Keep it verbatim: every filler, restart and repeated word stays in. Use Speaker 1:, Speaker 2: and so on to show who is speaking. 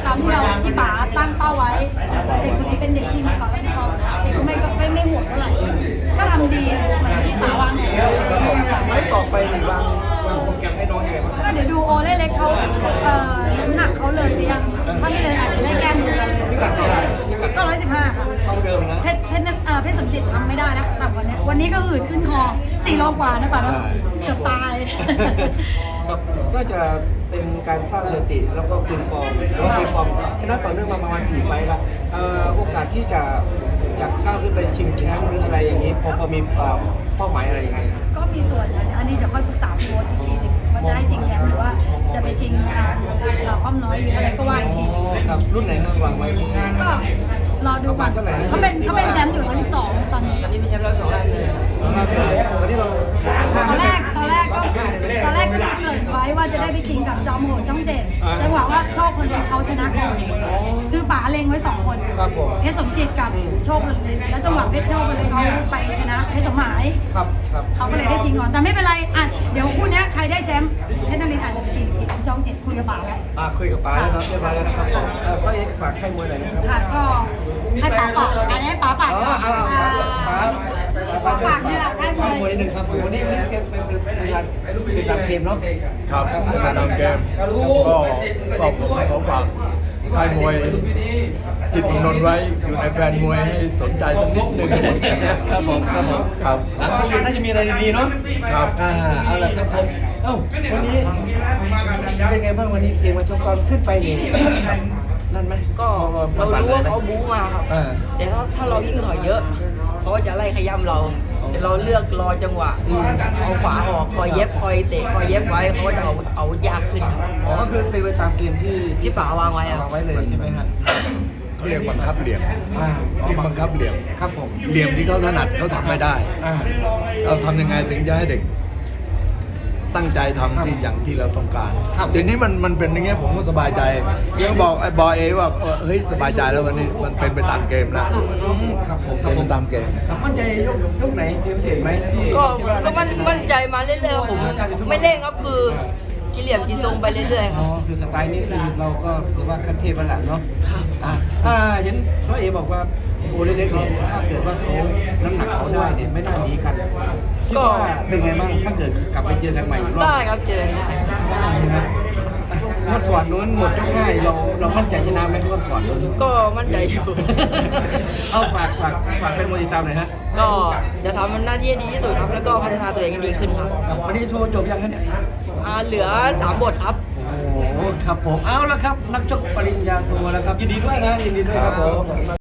Speaker 1: ามที่เราที่ป๋าตั้งเป้าไว้เด็กคนนี้เป็นเด็กที่มีความรับผิดชอบเด็กก็ไม่ไม่ไม่ห่วงเท่าไหร่ก็ทำดีเหมือนที่ป๋าวางแผน
Speaker 2: ไม่ต่อไปหนึ่งวางวางโปรแกรมให้น้องยังไงบ้าง
Speaker 1: ก็เดี๋ยวดูโอเล่เล็กเขาเอ่อน้ำหนักเขาเลยไปยังถ้าไม่เลยอาจจะได้แก้มือกัน
Speaker 2: พิกัดเท่าไหร่พิกัด
Speaker 1: ก็ร้อยสิบห้าค่ะ
Speaker 2: เท่าเดิมนะ
Speaker 1: เพชรเพชรเอ่อเพชรสมจิตทำไม่ได้นะต่ำกว่านี้วันนี้ก็หืดขึ้นคอสี่โลกว่านะป่ะเนาะเกือบตาย
Speaker 2: ครับก็จะเป็นการสร้างสถิติแล้วก็คืนฟอร์มแล้วก็คืนฟอร์มชนะต่อเนื่องมาประมาณสี่ไฟล์ละเอ่อโอกาสที่จะจะก้าวขึ้นไปชิงแชมป์หรืออะไรอย่างนี้พอพอมีเอ่อเป้าหมายอะไรยังไง
Speaker 1: ก็มีส่วนนะอันนี้เดี๋ยวค่อยปรึกษาพี่โบ๊ทอีกทีหนึงว่าจะให้ชิงแชมป์หรือว่าจะไปชิงทางเอ่อความน้อยหรืออะไรก็ว่าอีกทีหนึง
Speaker 2: ครับรุ่นไหนครับวางไว้ที่
Speaker 1: ก็รอดูก่อนเขาเป็นเขาเป็นแชมป์อยู่ร้อยสิบสองตอนนี้
Speaker 3: อันนี้มีแชมป์ร้อยสองอันเลย
Speaker 2: มาเลยวันนี้เรา
Speaker 1: ตอนแรกตอนแรกก็ตอนแรกก็มีเกริ่นไว้ว่าจะได้ไปชิงกับจอมโหดช่องเจ็ดจังหวะว่าโชคคนเล็กเขาชนะก่อนคือป๋าเล็งไว้สองคน
Speaker 2: ครับผม
Speaker 1: เพชรสมจิตกับโชคคนเล็กแล้วจังหวะเพชรโชคคนเล็กเขาไปชนะเพชรสมหมาย
Speaker 2: ครับครับ
Speaker 1: เขาก็เลยได้ชิงก่อนแต่ไม่เป็นไรอ่ะเดี๋ยวคู่เนี้ยใครได้แชมป์เพชรนรินทร์อาจจะไปชิงที่ช่องเจ็ดคุยกับป๋าแล้ว
Speaker 2: อ่าคุยกับป๋าแล้วเนาะเรียบร้อยแล้วนะครับเอ่อพ่อเอ็กซ์ฝากค่ายมวยหน่อยนะครับ
Speaker 1: ค่ะก็ให้ป๋าฝากอันนี้ให้ป๋าฝาก
Speaker 2: อ๋อ
Speaker 1: ก่อน
Speaker 2: เอา
Speaker 1: อ่า
Speaker 2: เอาป๋า
Speaker 1: ป๋าฝากเนี่ยแหละค่ายม
Speaker 2: ค่า
Speaker 1: วย ย
Speaker 2: มวยนิดนึงครับวันนี้วันนี้เกมเป็นเป็นเป็นการเป็นการเกมเนาะ
Speaker 4: ครับเป็นการทำเกมก็ก็ผมขอฝากค่ายมวยจิตเมืองนนท์ไว้อยู่ในแฟนมวยให้สนใจสักนิดหนึ่ง
Speaker 2: ครับผมครับผม
Speaker 4: ครับ
Speaker 2: อ่ะโครงการน่าจะมีอะไรดีๆเนาะ
Speaker 4: ครับ
Speaker 2: อ่าเอาละครับผมเอ้าวันนี้เป็นไงบ้างวันนี้เกมมาชมก่อนขึ้นไปนี่นั่นไหม
Speaker 3: ก็เรารู้ว่าเขาบู๊มาครับ
Speaker 2: อ่า
Speaker 3: แต่ถ้าถ้าเรายิ่งถอยเยอะ เขาก็จะไล่ขย้ำเรา แต่เราเลือกรอจังหวะ เอาขวาออกคอยเย็บคอยเตะคอยเย็บไว้เขาก็จะเอาเอายากขึ้นครับ
Speaker 2: อ๋อก็คือเป็นไปตามเกมที่
Speaker 3: ที่ป๋าวางไว้อะ
Speaker 2: วางไว้เลยใช่ไหมฮะ
Speaker 4: เขาเรียกบังคับเหลี่ยม
Speaker 2: อ่า
Speaker 4: เรียกบังคับเหลี่ยม
Speaker 2: ครับผม
Speaker 4: เหลี่ยมที่เขาถนัดเขาทำไม่ได้
Speaker 2: อ่า
Speaker 4: เราทำยังไงถึงจะให้เด็ก ตั้งใจทำที่อย่างที่เราต้องการทีนี้มันมันเป็นอย่างเงี้ยผมก็สบายใจยังบอกไอ้บอยเอว่าเออเฮ้ยสบายใจแล้ววันนี้มันเป็นไปตามเกมแล้ว
Speaker 2: อืมครับผมครับ
Speaker 4: เป็น
Speaker 2: ผ
Speaker 4: ไป
Speaker 2: ม
Speaker 4: ตามเกม
Speaker 2: ครับมั่นใจยกยกไหนเกมเสียไหมที่
Speaker 3: ก็
Speaker 2: ที่ว่า
Speaker 3: ก็มันมั่นใจมาเรื่อยๆครับผม ไม่เร่งครับคือกินเหลี่ยมกินทรงไปเรื่อยๆค
Speaker 2: อ๋
Speaker 3: รั
Speaker 2: อบ คือสไตล์นี้คือเราก็ถือว่าคันเทพระดับเนาะ
Speaker 3: ครับ
Speaker 2: อ่าอ่าเห็นพ่อเอบอกว่าโอเล็กๆเนี่ยถ้าเกิดว่าเขาน้ำหนักเขาได้เนี่ยไม่น่าหนีกันคิดว่าเป็นไงบ้างถ้าเกิดกลับไปเจอกันใหม่อีกรอบ
Speaker 3: ได้ครับเจอได้
Speaker 2: ได้นะเมื่อก่อนนู้นหมดยกง่ายเราเรามั่นใจชนะไหมเมื่อก่อนนู้น
Speaker 3: ก็มั่นใจอยู่
Speaker 2: เอาฝากฝากฝากเป็นมวยติดตามหน่อยฮะ
Speaker 3: ก็จะทำหน้าที่ให้ดีที่สุดครับ แล้วก็พัฒนาตัวเองให้ดีขึ้นครับ
Speaker 2: ครับวันนี้โชว์จบยังฮะเนี่ย
Speaker 3: อ่าเหลือสามบทครับ
Speaker 2: โอ้โหครับผมเอาละครับ นักชกปริญญาโทแล้วครับยินดีด้วยนะยินดีด้วยครับผม